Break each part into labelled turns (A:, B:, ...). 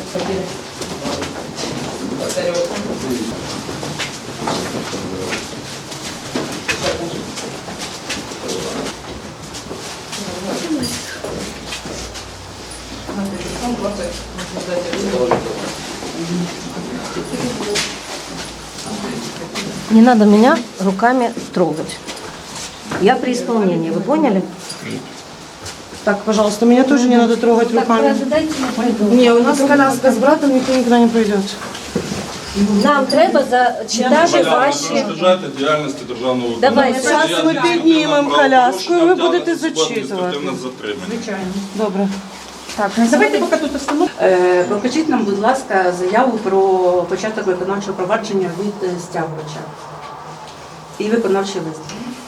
A: Не надо меня руками трогать. Я при исполнении, вы поняли?
B: Так, пожалуйста, меня тоже не надо трогать руками. Не, у нас коляска с братом, никто никуда не пойдет.
A: Нам треба зачитати ваші...
C: Перешкоджати діяльності державного
A: Давай,
C: виконавчого.
B: зараз ми піднімемо коляску, і ви будете зачитувати.
C: Звичайно.
B: Добре.
D: Так, давайте поки тут остановимо. Покажіть нам, будь ласка, заяву про початок виконавчого провадження від стягувача. І виконавчий лист.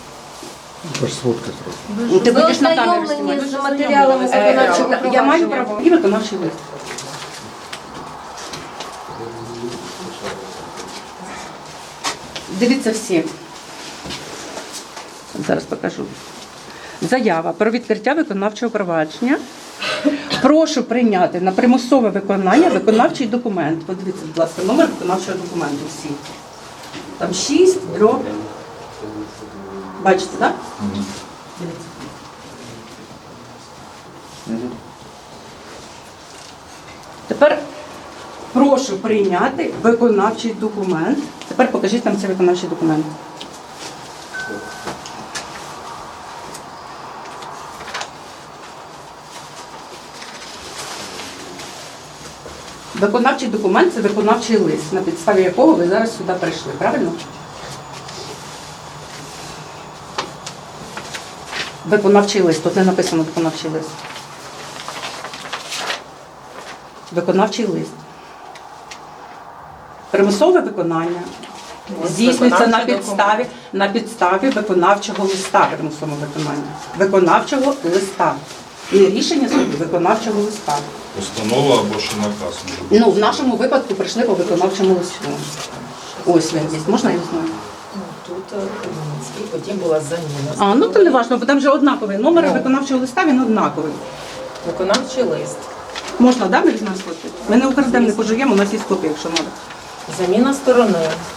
D: Ти
A: Ви
D: будеш на камеру
A: ознайомлені
D: знімати.
A: з матеріалами виконавчого
D: Я маю
A: провадження?
D: право. І виконавчий лист. Дивіться всі. Зараз покажу. Заява про відкриття виконавчого провадження. Прошу прийняти на примусове виконання виконавчий документ. Подивіться, будь ласка, номер виконавчого документу всі. Там 6, дроб. Бачите, так? Дивіться. Тепер прошу прийняти виконавчий документ. Тепер покажіть нам цей виконавчий документ. Виконавчий документ – це виконавчий лист, на підставі якого ви зараз сюди прийшли, правильно? Виконавчий лист, тут не написано виконавчий лист. Виконавчий лист. Примусове виконання здійснюється на підставі виконавчого листа, примусового виконання. Виконавчого листа. Не рішення суду, виконавчого листа.
C: Постанова або ще наказ.
D: Ну, в нашому випадку прийшли по виконавчому листу. Ось він є. Можна я знаю?
E: Тут Хмельницький, потім була заміна.
D: А, ну то не важливо, бо там вже однаковий. Номер виконавчого листа, він однаковий.
E: Виконавчий лист.
D: Можна, да, ми візьмемо копію? Ми не украдемо, не пожуємо, у нас є копія, якщо треба.
E: Заміна сторони.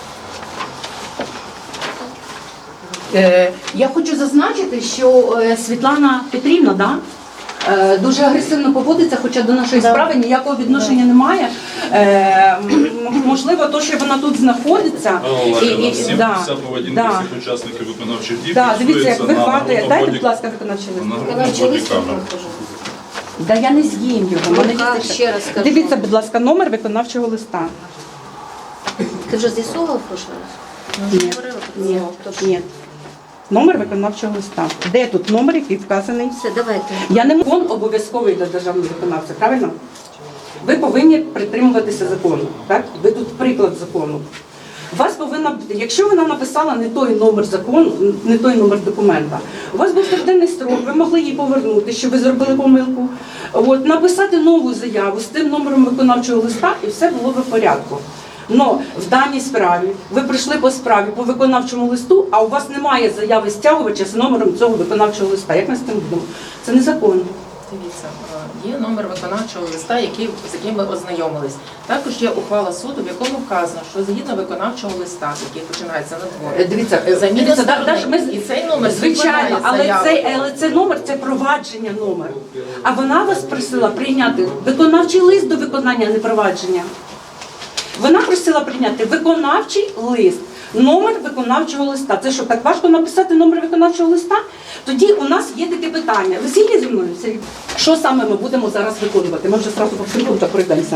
D: Я хочу зазначити, що Світлана Петрівна, да, дуже агресивно поводиться, хоча до нашої справи ніякого відношення немає. Можливо, то, що вона тут знаходиться.
C: Вся поведінка всіх учасників виконавчих дій
D: Дивіться, як
C: фіксується
D: вихватує. Дайте, будь ласка, виконавчий лист.
A: Виконавчий лист я покажу.
D: Да я не з'їм його. Мене є
A: Ще раз скажу.
D: Дивіться, будь ласка, номер виконавчого листа.
A: Ти вже з'ясовував в прошлий раз?
D: Ні, ні. Номер виконавчого листа. Де тут номер, який вказаний?
A: Все, давайте.
D: Я не можу, він обов'язковий для державного виконавця, правильно? Ви повинні притримуватися закону, так? Ви тут приклад закону. У вас повинна, якщо вона написала не той номер закону, не той номер документа, у вас був триденний строк, ви могли її повернути, що ви зробили помилку, написати нову заяву з тим номером виконавчого листа, і все було б в порядку. Но в даній справі ви прийшли по справі по виконавчому листу, а у вас немає заяви стягувача з номером цього виконавчого листа. Як ми з цим будемо? Це незаконно.
E: Дивіться, є номер виконавчого листа, з яким ви ознайомились. Також є ухвала суду, в якому вказано, що згідно виконавчого листа, який починається на дворі,
D: Дивіться,
E: і цей номер
D: звичайно,
E: заяву.
D: але цей номер це провадження номер. А вона вас просила прийняти виконавчий лист до виконання, а не провадження. Вона просила прийняти виконавчий лист, номер виконавчого листа. Це що, так важко написати номер виконавчого листа? Тоді у нас є таке питання. Ви згідні зі мною? Що саме ми будемо зараз виконувати? Ми вже одразу по всім пунктам пройдемося.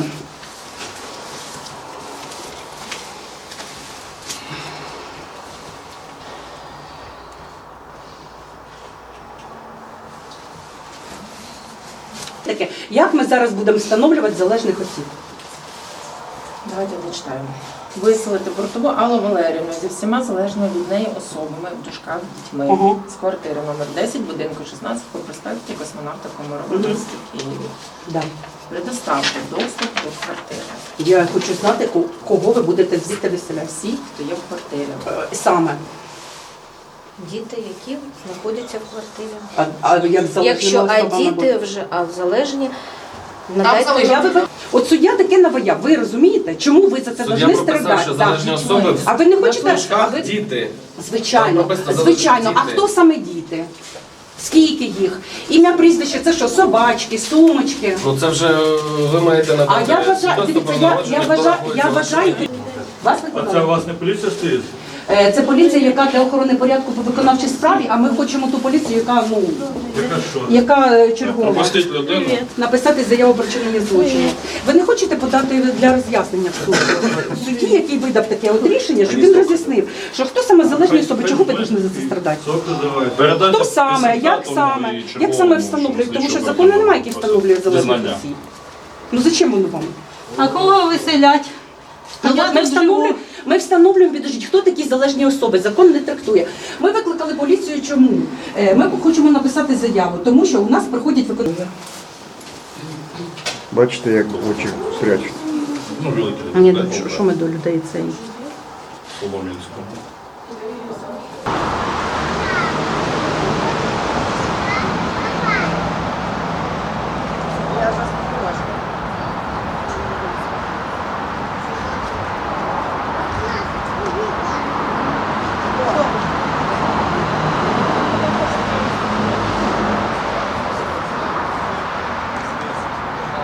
D: Таке, як ми зараз будемо встановлювати залежних осіб?
E: Давайте дочитаємо. Виселити Бортову Аллу Валеріївну зі всіма залежними від неї особами, в дужках дітьми, з квартири номер 10, будинку 16 по проспекті Космонавта Комарова, місті Києві.
D: Да.
E: Предоставте доступ до квартири.
D: Я хочу знати, кого ви будете звідти виселяти.
E: Всі, хто є в квартирі.
D: Саме.
A: Діти, які знаходяться в квартирі.
D: Як залежними
A: Якщо
D: особами
A: діти
D: будуть?
A: вже, в залежні,
D: От суддя таке наваяв, ви розумієте? Чому ви за це
F: Суддя
D: повинні
F: прописав,
D: страдати?
F: що
D: Так.
F: залежні особи
D: А ви не хочете?
F: в шкаф діти.
D: Звичайно,
F: Там прописано
D: звичайно.
F: залежні
D: А
F: діти.
D: хто саме діти? Скільки їх? Ім'я, прізвище, це що, собачки, сумочки?
F: Ну це вже ви маєте
D: А
F: надати.
D: я вважаю,
F: свідоцтво
D: дивіться,
F: про
D: я
F: народження, хто
D: вважаю,
F: рахується
D: вас
C: А це у
D: виконали?
C: вас не поліція стоїть?
D: Це поліція, яка для охорони порядку по виконавчій справі, а ми хочемо ту поліцію, яка, ну,
C: Яка що?
D: яка чергова.
C: Пропустіть людину.
D: Написати заяву про вчинення злочину. Ви не хочете подати для роз'яснення в суд? Судді, який видав таке от рішення, щоб він роз'яснив, що хто саме залежні особи, чого ви повинні за це страдати?
C: Соки давай. Передайте
D: Хто саме, як
C: презентатому
D: саме,
C: і
D: як
C: черговому,
D: саме встановлюють, тому що
C: слідчого
D: закону
C: прокурора.
D: немає, який встановлює залежність
C: Визнання.
D: осіб. Ну зачем воно вам?
A: А кого виселять?
D: Ну, от ми встановлюємо, підождіть, хто такі залежні особи, закон не трактує. Ми викликали поліцію, чому? Ми хочемо написати заяву, тому що у нас проходять виконання.
G: Бачите, як очі прячуть.
C: Ну, великий.
D: Ні,
C: дай
D: ну,
C: Бог,
D: що ми до людей цей?
C: Солом'янського.